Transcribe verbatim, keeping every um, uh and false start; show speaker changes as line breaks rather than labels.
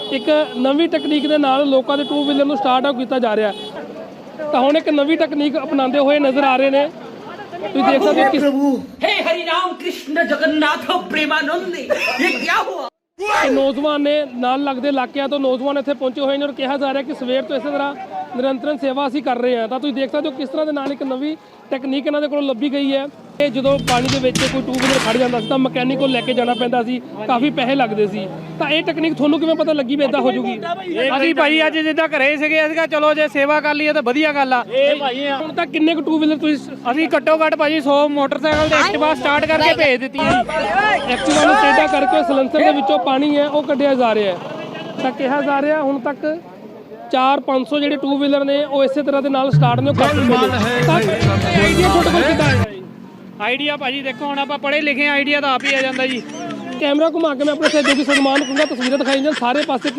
ਇੱਕ ਨਵੀਂ ਟੈਕਨੀਕ ਦੇ ਨਾਲ ਲੋਕਾਂ ਦੇ ਟੂ ਵੀਲਰ ਨੂੰ ਸਟਾਰਟ ਆਊਟ ਕੀਤਾ ਜਾ ਰਿਹਾ ਤਾਂ ਹੁਣ ਇੱਕ ਨਵੀਂ ਟੈਕਨੀਕ ਅਪਣਾਉਂਦੇ ਹੋਏ ਨਜ਼ਰ ਆ ਰਹੇ ਨੇ। ਤੁਸੀਂ ਦੇਖ ਸਕਦੇ ਹੋ ਕਿ
हे हरि राम कृष्ण जगन्नाथ प्रेमानंद ये क्या हुआ।
ਨੌਜਵਾਨ ਨੇ ਨਾਲ ਲੱਗਦੇ ਇਲਾਕਿਆਂ ਤੋਂ ਨੌਜਵਾਨ ਇੱਥੇ ਪਹੁੰਚੇ ਹੋਏ ਨੇ ਔਰ ਕਿਹਾ ਜਾ ਰਿਹਾ ਕਿ ਸਵੇਰ ਤੋਂ ਇਸੇ ਤਰ੍ਹਾਂ ਨਿਰੰਤਰਨ ਸੇਵਾ ਅਸੀਂ ਕਰ ਰਹੇ ਹਾਂ। ਤਾਂ ਤੁਸੀਂ ਦੇਖ ਸਕਦੇ ਹੋ ਕਿਸ ਤਰ੍ਹਾਂ ਦੇ ਨਾਲ ਇੱਕ ਨਵੀਂ ਟੈਕਨੀਕ ਇਹਨਾਂ ਦੇ ਕੋਲ ਲੱਭੀ ਗਈ ਹੈ। ਇਹ ਜਦੋਂ ਪਾਣੀ ਦੇ ਵਿੱਚ ਕੋਈ ਟੂ ਵੀਲਰ ਖੜ ਜਾਂਦਾ ਸੀ ਤਾਂ ਮਕੈਨਿਕ ਕੋਲ ਲੈ ਕੇ ਜਾਣਾ ਪੈਂਦਾ ਸੀ, ਕਾਫੀ ਪੈਸੇ ਲੱਗਦੇ ਸੀ। ਤਾਂ ਇਹ ਟੈਕਨੀਕ ਤੁਹਾਨੂੰ ਕਿਵੇਂ ਪਤਾ ਲੱਗੀ ਵੀ ਇਦਾਂ ਹੋ ਜੂਗੀ?
ਅਸੀਂ ਭਾਈ ਅੱਜ ਜਿੱਦਾਂ ਘਰੇ ਸੀਗੇ ਅਸੀਂ ਕਿਹਾ ਚਲੋ ਜੇ ਸੇਵਾ ਕਰ ਲਈਏ ਤਾਂ ਵਧੀਆ ਗੱਲ ਆ। ਇਹ ਭਾਈ
ਹੁਣ ਤਾਂ ਕਿੰਨੇ ਕੁ ਟੂ ਵੀਲਰ ਤੁਸੀਂ
ਅਸੀਂ ਘੱਟੋ ਘੱਟ ਭਾਜੀ ਸੌ ਮੋਟਰਸਾਈਕਲ ਤੇ ਐਕਟਿਵਾ ਸਟਾਰਟ ਕਰਕੇ ਭੇਜ ਦਿੱਤੀਆਂ।
ਐਕਟਿਵਾ ਨੂੰ ਟੇਢਾ ਕਰਕੇ ਸਲੈਂਸਰ ਦੇ ਵਿੱਚੋਂ ਪਾਣੀ ਹੈ ਉਹ ਕੱਢਿਆ ਜਾ ਰਿਹਾ ਹੈ। ਤਾਂ ਕਿਹਾ ਜਾ ਰਿਹਾ ਹੁਣ ਤੱਕ ਚਾਰ ਪੰਜ ਸੌ ਜਿਹੜੇ ਟੂ ਵੀਲਰ ਨੇ ਉਹ ਇਸੇ ਤਰ੍ਹਾਂ ਦੇ ਨਾਲ ਸਟਾਰਟ ਨੇ ਕਰ ਚੁੱਕੇ ਨੇ। ਤਾਂ ਆਈਡੀਆ ਤੁਹਾਡੇ ਕੋਲ ਕਿੱਦਾਂ ਹੈ?
ਆਈਡੀਆ ਭਾਜੀ ਦੇਖੋ ਹੁਣ ਆਪਾਂ ਪੜ੍ਹੇ ਲਿਖੇ ਆਈਡੀਆ ਤਾਂ ਆਪ ਹੀ ਆ ਜਾਂਦਾ ਜੀ।
ਕੈਮਰਾ ਘੁਮਾ ਕੇ ਮੈਂ ਆਪਣੇ ਸਹਿਯੋਗੀ ਸਨਮਾਨ ਕਰੂੰਗਾ, ਤਸਵੀਰਾਂ ਦਿਖਾਈ ਜਾਂ ਸਾਰੇ ਪਾਸੇ